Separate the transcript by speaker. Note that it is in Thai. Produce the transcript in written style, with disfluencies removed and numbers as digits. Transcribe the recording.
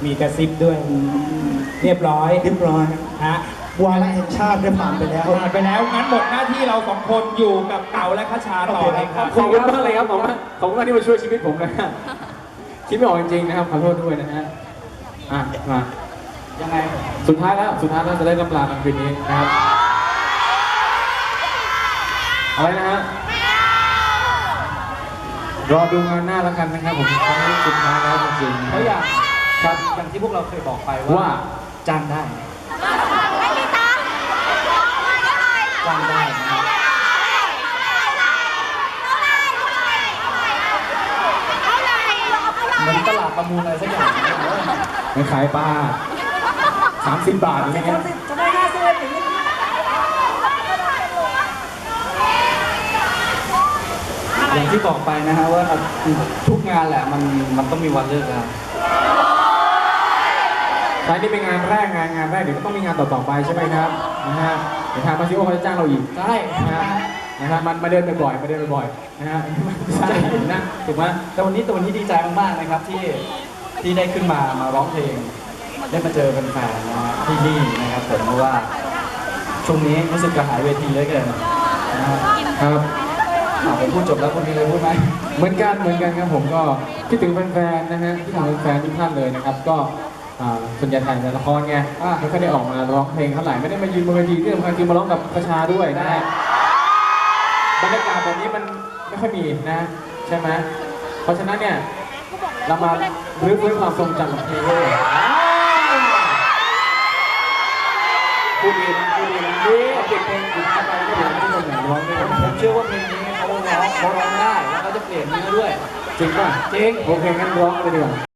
Speaker 1: มีกระซิบด้วยเรียบร้อยฮะ
Speaker 2: วาระแห่งชาติได้ผ่านไปแล้ว
Speaker 1: ผ่านไปแล้วงั้นหมดหน้าที่เราสองคนอยู่กับเต่าและคชาต่อเลยครับ
Speaker 3: ขอบคุณมากเลยครับขอบคุณมากที่มาช่วยชีวิตผมนะฮะคิดไม่ออกจริงๆนะครับขอโทษด้วยนะฮะมายังไงสุดท้ายแล้วจะได้กำลากันคืนนี้นะครับอะไรนะฮะรอดูงานหน้าแล้วกันนะครับผมครั้งนี้สุดท้ายแล้วจริงๆ
Speaker 4: เพราะอย่าง
Speaker 3: ครับ
Speaker 4: อย่างที่พวกเราเคยบอกไป
Speaker 3: ว่า
Speaker 4: จ้างได้จ้างได้นะครับเหมือนตลาดประมูลอะไรสักอย่าง
Speaker 3: ไม่ขายปลา30 บาทอะไรเงี้ย
Speaker 2: จะได้50อย่างนี้
Speaker 4: อย่างที่บอกไปนะฮะว่าทุกงานแหละมันต้องมีวันเลิกแล้ว
Speaker 3: ใช่นี่เป็นงานแรกเดี๋ยวก็ต้องมีงานต่อๆไปใช่ไหมครับนะฮะเดี๋ยวทางมาซิโอเขาจะจ้างเราอีก
Speaker 4: ใช่
Speaker 3: นะฮะมันมาเดินบ่อยๆนะฮะใช่นะถูกไหม
Speaker 4: แต่วันนี้ดีใจมากๆนะครับที่ได้ขึ้นมาร้องเพลงได้มาเจอแฟนๆนะฮะที่นี่นะครับผมเพราะว่าช่วงนี้รู้สึกกระหายเวทีเหลือเกินนะฮะ
Speaker 3: ครับ
Speaker 4: ผมพูดจบแล้วคุณมีอะไรพูดไหม
Speaker 3: เหมือนกันครับผมก็คิดถึงแฟนๆนะฮะคิดถึงแฟนๆทุกท่านเลยนะครับก็ส่วนใหญ่ถ่ายละครไงไม่ค่อยได้ออกมาร้องเพลงเท่าไหร่ไม่ได้มายืนบนเวทีที่สำคัญคือมาร้องกับประชาด้วยนะฮะบรรยากาศแบบนี้มันไม่ค่อยมีนะใช่ไหมเพราะฉะนั้นเนี่ยเรามารื้อฟื้นความทรงจำของเพลงเลยพูดดีนะเก็บเพลงอีกท่านไปก็เดี๋ยวทุกคนอยากร้องด้วยกัน
Speaker 4: ผมเชื่อว่าเพลงนี้เขาร้องได้แล้วเขาจะเปลี่ยนเนื้อด้วย
Speaker 3: จริงป่ะ
Speaker 4: จริง
Speaker 3: โอเคงั้นร้องเลยดีกว่า